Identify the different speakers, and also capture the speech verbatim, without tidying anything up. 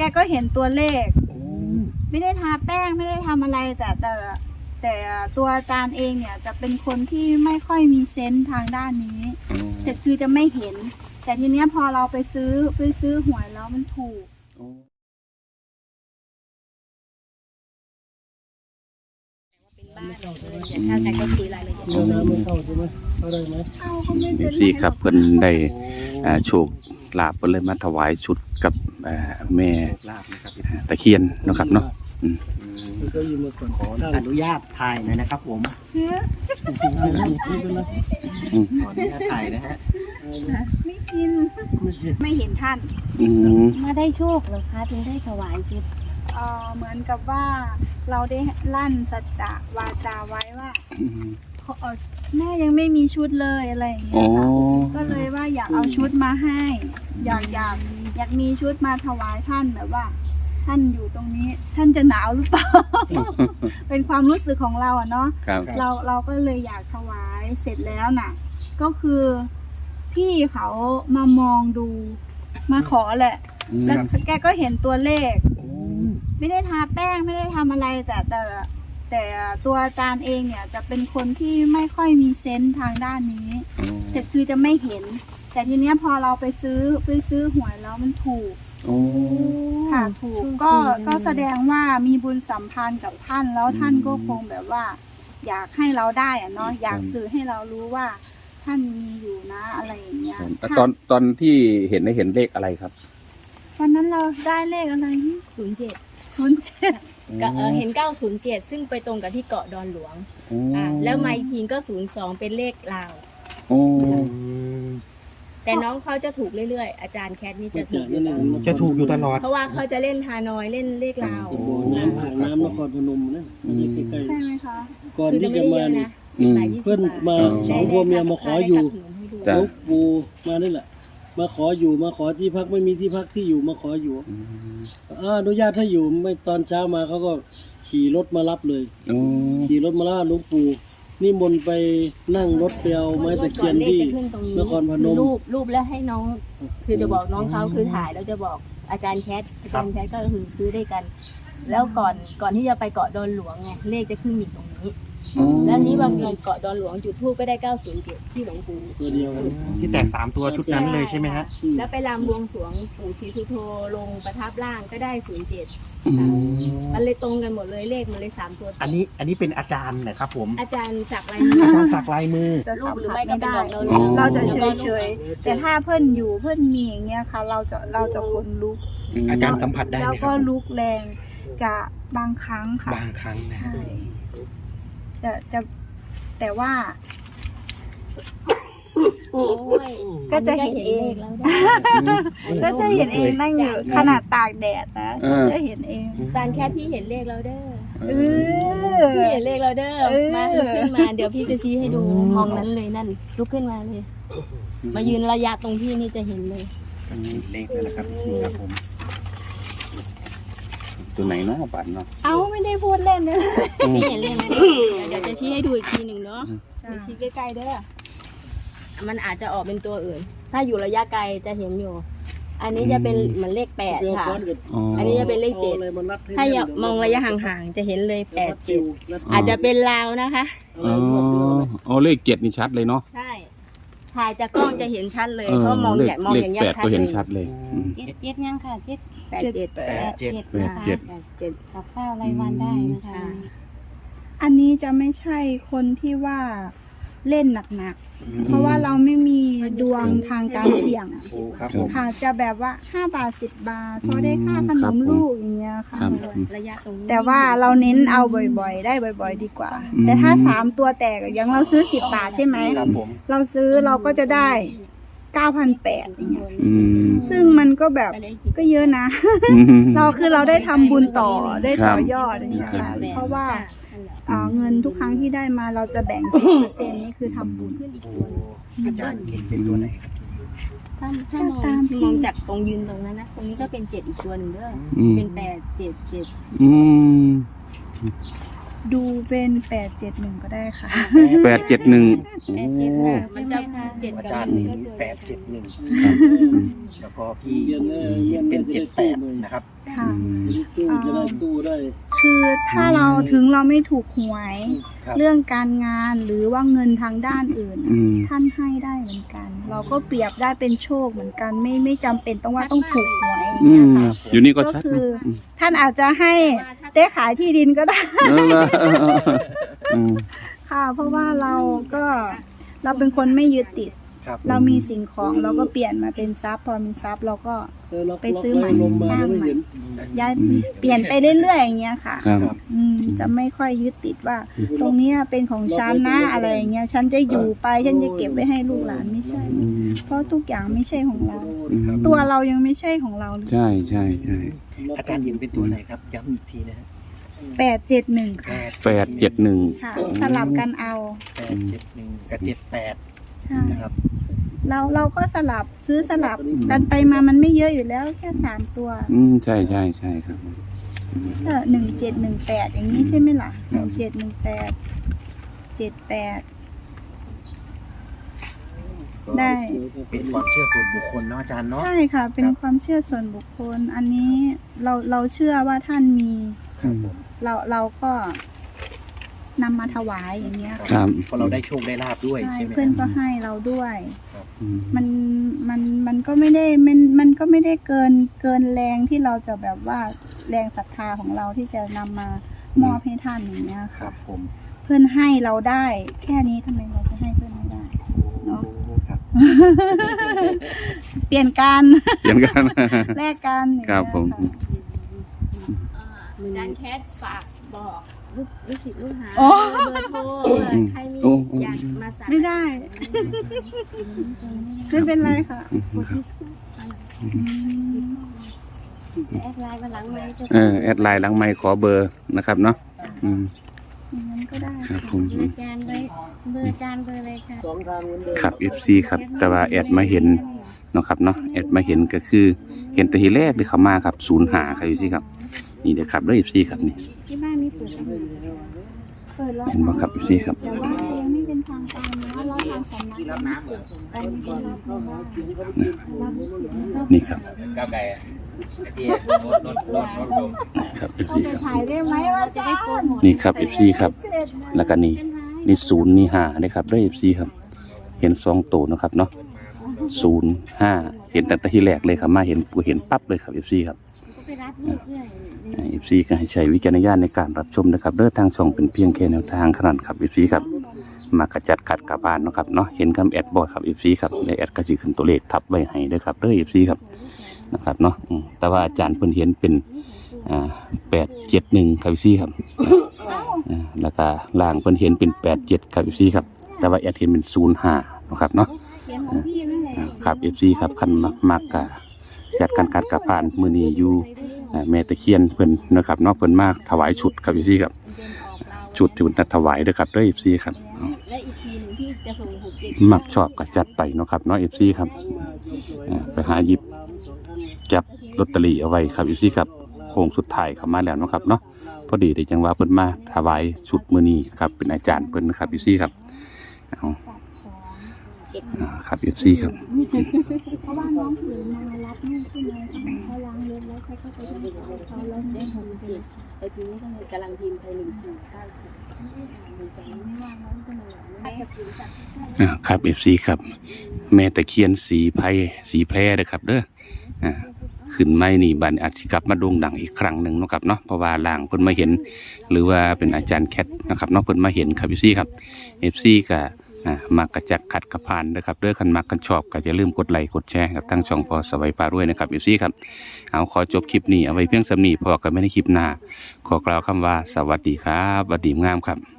Speaker 1: ก็เห็นตัวเลขไม่ได้ทาแป้งไม่ได้ทำอะไรแต่แต่แต่ตัวอาจารย์เองเนี่ยจะเป็นคนที่ไม่ค่อยมีเซนส์ทางด้านนี้จะคือจะไม่เห็นแต่ทีเนี้ยพอเราไปซื้อไปซื้อหวยแล้วมันถูก
Speaker 2: ถ้าใครก็คุยรายละเอียดไม่เข้าใช่ไหมเข้าได้ไหมเข้าก็ไม่เป็นไร
Speaker 3: สี่ครับเพิ่นได้โชคลาภเพิ่นเลยมาถวายชุดกับแม่ตะเคียนเนาะครับเนาะ
Speaker 2: ก็ยืมมาก่อนขออนุญาตถ่ายหน่อยนะครับผมขออนุญาตถ่ายนะฮะ
Speaker 1: ไม่ชินไม่เห็นท่าน
Speaker 4: มาได้โชคเหรอคะถึงได้ถวายชุด
Speaker 1: เออเหมือนกับว่าเราได้ลั่นสัจจะวาจาไว้ว่าแม่ยังไม่มีชุดเลยอะไรอย่างเงี้ยค่ะก็เลยว่าอยากเอาชุดมาให้อยากอยากอยากมีชุดมาถวายท่านแบบว่าท่านอยู่ตรงนี้ท่านจะหนาวหรือเปล่า เป็นความรู้สึกของเราอะเนาะเราเราก็เลยอยากถวายเสร็จแล้วน่ะก็คือพี่เขามามองดูมาขอแหละแล้วแกก็เห็นตัวเลขไม่ได้ทาแป้งไม่ได้ทำอะไรแต่แต่แต่ตัวอาจารย์เองเนี่ยจะเป็นคนที่ไม่ค่อยมีเซนส์ทางด้านนี้จะคือจะไม่เห็นแต่ทีเนี้ยพอเราไปซื้อไปซื้อหวยแล้วมันถูกค่ะถูกก็ก็แสดงว่ามีบุญสัมพันธ์กับท่านแล้วท่านก็คงแบบว่าอยากให้เราได้อะเนาะอยากสื่อให้เรารู้ว่าท่านมีอยู่นะอะไรอย่างเงี้ย
Speaker 3: ตอนตอนที่เห็นได้เห็นเลขอะไรครับ
Speaker 1: วันนั้นเราได้เลขอะไร
Speaker 4: ศูนย์เจ็ด
Speaker 1: ศูนย์เจ็ด
Speaker 4: เห็นเก้าศูนย์เจ็ดซึ่งไปตรงกับที่เกาะดอนหลวงอ่าแล้วมาอีกทีก็ศูนย์สองเป็นเลขลาวแต่น้องเขาจะถูกเรื่อยๆอาจารย์แคทนี่จะถูกอยู่ตลอด
Speaker 2: จะถูกอยู่ตลอด
Speaker 4: เพราะว่าเขาจะเล่นฮานอยเล่นเลขลาว
Speaker 2: น้ำห่างน้ำนครพนมนะใกล้
Speaker 1: ๆใช่ไหมคะ
Speaker 2: ก่อนที่จะมาเนี่ยเพื่อนมาสองพ่อเมียมาขออยู่ลูกปูมานี่แหละมาขออยู่มาขอที่พักไม่มีที่พักที่อยู่มาขออยู่อนุญาตให้อยู่ไม่ตอนเช้ามาเขาก็ขี่รถมารับเลยขี่รถมาล่าหลวงปู่นี่มนไปนั่งรถไปเอาไม้ตะเคียนที่นครพนม
Speaker 4: รูปรูปแล้วให้น้องคือจะบอกน้องเขาคือถ่ายแล้วจะบอกอาจารย์แคทอาจารย์แคทก็คือซื้อได้กันแล้วก่อนก่อนที่จะไปเกาะดอนหลวงไงเลขจะขึ้นอยู่ตรงนี้แล้วนี้บางทีเกาะดอนหลวงจุดธูปก็ได้เก้าศูนย์เจ็ดที่หลวงปู่
Speaker 2: ตัวเดียวที่แตกสามตัวชุดนั้นเลยใช่ไหมฮะ
Speaker 4: แล้วไปรำบวงสรวงปู่ศรีสุโธลงประทับร่างก็ได้ศูนย์เจ็ดมันเลยตรงกันหมดเลยเลขมันเลยสามตัว
Speaker 2: อันนี้อันนี้เป็นอาจารย์นะครับผม
Speaker 4: อาจารย์สักลายมือ
Speaker 2: อาจารย์สักลายมือ
Speaker 1: จะรูปหรือไม่ก็ได้เราจะเฉยเฉยแต่ถ้าเพื่อนอยู่เพื่อนมีอย่างเงี้ยค่ะเราจะเราจะขนลุก
Speaker 2: อาจารย์สัมผัสได้ไหมครับ
Speaker 1: แล้วก็ลุกแรงจะบางครั้งค่ะ
Speaker 2: บางครั้งนะ
Speaker 1: จะจะแต่ว่าก็จะเห็นเองก็จะเห็นเองนั่งอยู่ขนาดตากแดดนะจะเห็นเอง
Speaker 4: จานแค่พี่เห็นเลขเราเด้อพี่เห็นเลขเราเด้อมาลุกขึ้นมาเดี๋ยวพี่จะชี้ให้ดูมองนั้นเลยนั่นลุกขึ้นมาเลยมายืนระยะตรงพี่นี่จะเห็นเลย
Speaker 2: เลขนั่นแหละครับนี่ครับผม
Speaker 3: ตัวไหนเนาะปันเนาะ
Speaker 1: เอาไม่ได้พูดเล่นเลย
Speaker 4: พี่เห็นเลขนะเดี๋ยวจะชี้ให้ดูอีกทีหนึ่งเนาะชี้ใกล้ๆเด้อมันอาจจะออกเป็นตัวอื่นถ้าอยู่ระยะไกลจะเห็นอยู่อันนี้จะเป็นเหมือนเลขแปดค่ะอันนี้จะเป็นเลขเจ็ดถ้ามองระยะห่างๆจะเห็นเลยแปดเจ็ดอาจจะเป็นลาวนะคะ
Speaker 3: อ๋ออ๋อเลขเจ็ดนี่ชัดเลยเนาะ
Speaker 4: ใช่ถ่ายจากกล้องจะเห็นชัดเลยเพราะมองอย่างมองอย่างเงี้ยชัดเลย
Speaker 3: เห็นชัดเลย
Speaker 4: เจ็ดเจ็ดยังค่ะเจ็ดแปดเจ็ดแปดเจ็ด
Speaker 3: แปดเจ็ด
Speaker 4: เจ็ดกับข้าวรายวันได้นะคะ
Speaker 1: อันนี้จะไม่ใช่คนที่ว่าเล่นหนักๆเพราะว่าเราไม่มีดวงทางการเสี่ยงค่ะจะแบบว่าห้าบาทสิบบาทพอได้ค่าขนมลูกอย่างเงี้ยค่ะ
Speaker 4: ระยะตรงนี้
Speaker 1: แต่ว่าเราเน้นเอาบ่อยๆได้บ่อยๆดีกว่าแต่ถ้าสามตัวแตกอย่างเราซื้อสิบบาทใช่ไหมเราซื้อเราก็จะได้เก้าพันแปดอย่างเงี้ยซึ่งมันก็แบบก็เยอะนะเราคือเราได้ทำบุญต่อได้ต่อยอดอย่างเงี้ยค่ะเพราะว่าเงินทุกครั้งที่ได้มาเราจะแบ่งสิบเปอร์เซ็นต์นี่คือทำบุญขึ้นอีกตัว
Speaker 2: อาจารย์เป็นตัวไหนครับ
Speaker 4: ถ้าถ้ามองมองจากตรงยืนตรงนั้นนะตรงนี้ก็เป็นเจ็ดอีกตัวหนึ่งเด้อเป็นแปดเจ็ดเจ็ด
Speaker 3: อืม
Speaker 1: ดูเป็นแปดเจ็ดหนึ่งก็ได้ค่ะ
Speaker 3: แปดเจ็ดหนึ่งโอ้
Speaker 4: มันจะเจ็ด
Speaker 5: อา
Speaker 4: กับ
Speaker 5: จารย์
Speaker 4: หนึ่
Speaker 5: เห็
Speaker 4: ง
Speaker 5: นแปดเจ็ดหนึ่ง
Speaker 3: ครับ
Speaker 5: แล้วก็พี่เห็นเป็นเจ็ดแปดนะครับ
Speaker 1: ค่ะ
Speaker 2: ตู้จะได้ตู้ได้
Speaker 1: คือถ้าเราถึงเราไม่ถูกหวย
Speaker 5: ครับ
Speaker 1: เรื่องการงานหรือว่าเงินทางด้านอื่น
Speaker 3: อืม
Speaker 1: ท่านให้ได้เหมือนกัน เราก็เปรียบได้เป็นโชคเหมือนกัน ไม่ไม่จำเป็นต้องว่าต้องถูกหวยอย่าง
Speaker 3: อื
Speaker 1: เงี้ย
Speaker 3: ม
Speaker 1: ค่ะ
Speaker 3: อยู่นี่ก็
Speaker 1: ก็
Speaker 3: ชัด
Speaker 1: คือ
Speaker 3: นะ
Speaker 1: ท่านอาจจะให้ได้ขายที่ดินก็ได้
Speaker 3: เออละอืม
Speaker 1: ค่ะ เพราะว่าเราก็เราเป็นคนไม่ยึดติด
Speaker 5: ครับ
Speaker 1: เรามีสิ่งของเราก็เปลี่ยนมาเป็นทรัพย์พอมีทรัพย์เราก็
Speaker 2: เออล็อก
Speaker 1: ไป
Speaker 2: ล็อก
Speaker 1: ซื้อ
Speaker 2: ไว้
Speaker 1: ใหม่
Speaker 2: ลมมา
Speaker 1: สร้าง
Speaker 2: ไม่
Speaker 1: ใหม่
Speaker 2: เห็น
Speaker 1: ย้ายเปลี่ยนไปเรื่อยๆอย่างเงี้ยค่ะ
Speaker 3: ครับ
Speaker 1: อืมจะไม่ค่อยยึดติดว่า ตรงเนี้ยเป็นของฉันนะอะไรอย่างเงี้ยฉันจะอยู่ไปฉันจะเก็บไว้ให้ลูกหลานไม่ใช่
Speaker 3: อืม
Speaker 1: เพราะทุกอย่างไม่ใช่ของเรา
Speaker 3: อืม
Speaker 1: ตัวเรายังไม่ใช่ของเราเลย
Speaker 3: ใช่ใช่ใช่
Speaker 5: อาจารย์เห็นเป็นตัวไหนครับย้ำอีกทีนะฮะ
Speaker 1: แปดเจ็ดหนึ่ง
Speaker 5: แป
Speaker 1: ค่ะ
Speaker 5: ด
Speaker 3: แปดเจ็ดหนึ่ง
Speaker 1: ค่ะ สลับกันเอา
Speaker 5: แปดเจ็ดหนึ่งกับเจ็ดแปด
Speaker 1: ใช่
Speaker 5: นะครับ
Speaker 1: เราเราก็สลับซื้อสลับกันไปมามันไม่เยอะอยู่แล้วแค่สามตัว
Speaker 3: อืมใช่ใช่ใช่ครับ
Speaker 1: เออหนึ่งเจ็ดหนึ่งแปดอย่างนี้ใช่ไหมล่ะหนึ่งเจ็ดหนึ่งแปดเจ็ดแปด ได้
Speaker 5: เป็นความเชื่อส่วนบุคคลเนาะอาจารย์เนาะ
Speaker 1: ใช่ค่ะ เป็นความเชื่อส่วนบุคคล อันนี้เราเราเชื่อว่าท่านมี
Speaker 5: ครับผม
Speaker 1: เราเราก็นำมาถวายอย่างเงี้ย
Speaker 3: ครับ
Speaker 5: เพราะเราได้โชคได้ลาบด้วย
Speaker 1: ใช่
Speaker 5: ใช่ไหม
Speaker 1: เพื่อน
Speaker 5: ค
Speaker 1: ก็
Speaker 5: รับ
Speaker 1: ให้เราด้วย
Speaker 3: อืม
Speaker 1: มันมันมันก็ไม่ได้มันมันก็ไม่ได้เกินเกินแรงที่เราจะแบบว่าแรงศรัทธาของเราที่จะนำมามอบให้ท่านอย่างเงี้ย
Speaker 5: ครั
Speaker 1: ค่ะ
Speaker 5: บผม
Speaker 1: เพื่อนให้เราได้ แค่นี้ทำไมเราจะให้เพื่อนไม่ได้เนาะ
Speaker 5: ครับ
Speaker 1: เปลี่ยนกัน
Speaker 3: เปลี่ยนกัน
Speaker 1: แลกกันอย่าง
Speaker 3: ครั
Speaker 1: เงี้
Speaker 3: บ
Speaker 1: ย
Speaker 3: ผม
Speaker 1: ค่ะ
Speaker 4: อาจารย์แคทฝากบอกลูกลูกศิษย์ลูกหา
Speaker 1: โอ้
Speaker 4: เบอร์โทรเผื่อใครมี
Speaker 3: โอ้
Speaker 4: อยากมาสั่ง
Speaker 1: ไม่ได้ ไม่เป็นไรค่ะอืม
Speaker 4: แอดไลน์มาหลังไมค์จะ
Speaker 3: เออแอดไลน์หลังไมค์ขอเบอร์นะครับเนาะอืม
Speaker 1: อย่างนั้นก็ได้
Speaker 3: ครับผม
Speaker 4: เบอร์อาจารย์ไว้เบอร์อาจารย์เบอร์อะไรคะ
Speaker 2: สองทางเหมือนเดิม
Speaker 3: ครับ เอฟ ซี ครับ แต่ว่าแอดมาเห็นเนาะครับเนาะแอดมาเห็นก็คือ เห็นแต่ทีแรกที่เขามาครับศูนย์หาใครอยู่สิครับ นี่เด้อครับเด้อ เอฟ ซี ครับนี่
Speaker 1: ที่บ้านมีเปิดไหมเปิดแล้ว
Speaker 3: เห็นบ่ครับ เอฟ ซี ครับ
Speaker 1: แต่ว่ายังไม่เป็นทางการนะเราทางสำนักยังไม่เปิดตอนนี้ก็รับไม่ได้รับ
Speaker 3: นี่ครับ
Speaker 6: ก้าวไกลอ่ะที่รถรถรถรถลง
Speaker 3: ครับ เอฟ
Speaker 1: ต้อ
Speaker 3: ซี
Speaker 1: งไป
Speaker 3: ครับ
Speaker 1: ถ่ายได้ไหมว่าจะได้โกนหมด
Speaker 3: นี่ครับ เอฟ ซี ครับ แล้วก็นี่นี่ศูนย์นี่ห้านี่ครับเด้อ เอฟ ซี ครับ เห็นสองตัวนะครับเนาะศูนย์ห้าเห็นตั้งแต่ที่แรกเลยครับมาเห็นปูเห็นปั๊บเลยครับ เอฟ ซี ครับ
Speaker 4: ก็ไปรับลูกเรื่อย
Speaker 3: เอฟซีก็ให้ใช้วิจารณญาณในการรับชมนะครับเด้อทางช่องเป็นเพียงแค่แนวทางขนาดครับเอฟซีครับมากระจัดขัดกระบานเนาะครับเนาะเห็นคำแอดบอยครับเอฟซีครับในแอดก็สิขึ้นตัวเลขทับไว้ให้เด้อครับเด้อเอฟซีครับนะครับเนาะอืมแต่ว่าอาจารย์เพิ่นเห็นเป็นอ่าแปดเจ็ดหนึ่งครับเอฟซีครับอ่าแล้วก็ล่างเพิ่นเห็นเป็นแปดเจ็ดครับเอฟซีครับแต่ว่าแอดเห็นเป็นศูนย์ห้านะครับเนาะ
Speaker 4: เขียนของพี่นั่นแหละ
Speaker 3: อ่าครับเอฟซีครับคันมักมักกะจัดการกัดกระพานมือนี้อยู่ อ่าแม่ตะเคียนเพิ่นนะครับเนาะเพิ่นมาถวายชุดครับพี่ซี่ครับชุดที่เพิ่นถวายเด้อครับเด้อ เอฟ ซี ครับเอา
Speaker 4: และอีกทีหนึ่งที่จะส่งหกเจ็ด
Speaker 3: มักชอบก็จัดไปเนาะครับเนาะ เอฟ ซี ครับอ่าไปหาหยิบจับลอตเตอรี่เอาไว้ครับ เอฟ ซี ครับโค้งสุดท้ายเข้ามาแล้วเนาะครับเนาะพอดีได้จังว่าเพิ่นมาถวายชุดมื้อนี้ครับเป็นอาจารย์เพิ่นนะครับ เอฟ ซี ครับเอาอ่าครับ เอฟ ซี ครับ
Speaker 1: เพราะว่าน้องถือมารับนี่ใช่ไหมเขาล้างรถแล้วเขาก็ไปที่เขาแล้ว
Speaker 4: ได้
Speaker 1: ได้
Speaker 4: ห
Speaker 1: ห
Speaker 4: ก
Speaker 1: ก
Speaker 4: เจ็
Speaker 1: เจ็
Speaker 4: ด
Speaker 1: ด
Speaker 4: ไปทีนี้ก็เลยกำลังพิมพ์ไปหนึ่งสี่เก้าเจ็ด
Speaker 3: อ่าครับ เอฟ ซี ครับ แม่ตะเคียนสีไพรสีแพร่เด้อครับเด้ออ่าขึ้นไม่นี่บัดนอาจจะกลับมาโด่งดังอีกครั้งหนึ่งเนาะครับเนาะเพราะว่าล่างเพิ่นมาเห็น หรือว่าเป็นอาจารย์แคทนะครับเนาะเพิ่นมาเห็นครับ เอฟ ซี ครับ เอฟ ซี ก็อ่ามักกระจัดขัดกระพานนะครับเด้อคันมักกันชอบก็อย่าลืมกดไลค์กดแชร์กับทั้งช่องพอสวัยพารวยนะครับ เอฟ ซี ครับเอาขอจบคลิปนี้เอาไว้เพียงสำนีพอกันไม่ได้คลิปหน้าขอกล่าวคำว่าสวัสดีครับสวัสดีงามครับ